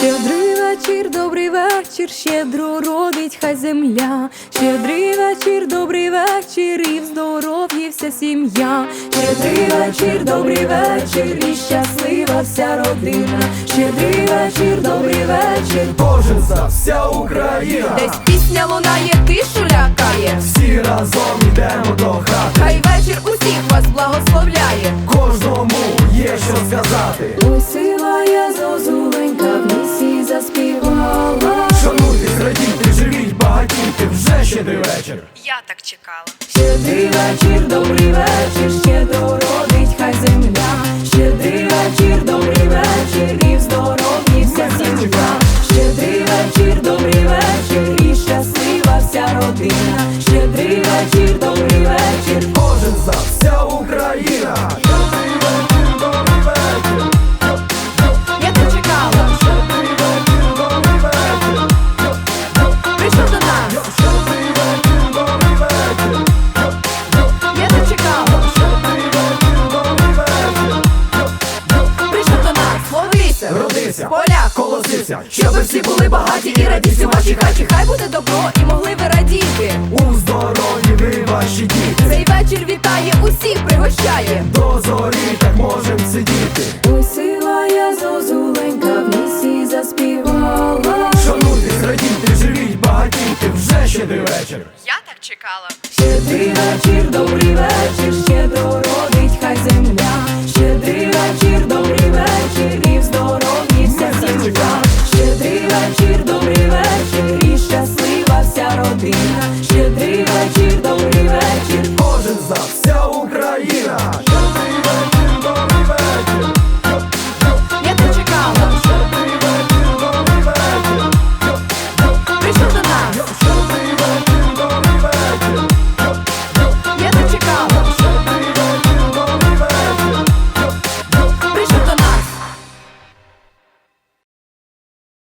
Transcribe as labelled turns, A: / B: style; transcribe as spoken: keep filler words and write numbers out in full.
A: Щедрий вечір, добрий вечір, щедро родить хай земля. Щедрий вечір, добрий вечір, і в здоров'ї вся сім'я. Щедрий вечір, добрий вечір, і щаслива вся родина. Щедрий вечір, добрий вечір,
B: кожен за вся Україна.
A: десь пісня лунає, тишу лякає.
B: Всі разом йдемо до хати.
A: Хай вечір усіх вас благословляє.
B: Кожному є що сказати.
A: Ой, сила я зозуленька в лісі заспівала.
B: Шануйтесь, радійте, живіть, багатійте, вже щедрий вечір.
C: Я так чекала.
A: Щедрий вечір, добрий вечір, щедро родить хай земля. Щедрий вечір, добрий вечір, і в здоров'ї вся сім'я. Щедрий вечір, добрий вечір, і щаслива вся родина. Щедрий вечір, добрий вечір,
B: Кожен за вся Україна. Щедрий вечір, добрий вечір.
A: я так чекала.
B: Щедрий вечір, добрий вечір.
A: Прийшов до нас,
B: Щедрий вечір, добрий вечір.
A: я так чекала.
B: Щедрий вечір, добрий вечір.
A: Прийшов до нас, ловися,
B: Родися,
A: поляк,
B: колосися,
A: щоби всі були багаті і радісні в вашій хаті. Хай буде добро і могли ви радіти.
B: у здоров'ї ви ваші діти.
A: Цей вечір вітає, усіх пригощає.
B: До зорі так можем сидіти.
A: Ой, сила я зозуленька в лісі заспівала.
B: Шануйтесь, радійте, живіть, багатійте, вже щедрий вечір.
C: Я так чекала.
A: Щедрий вечір, добрий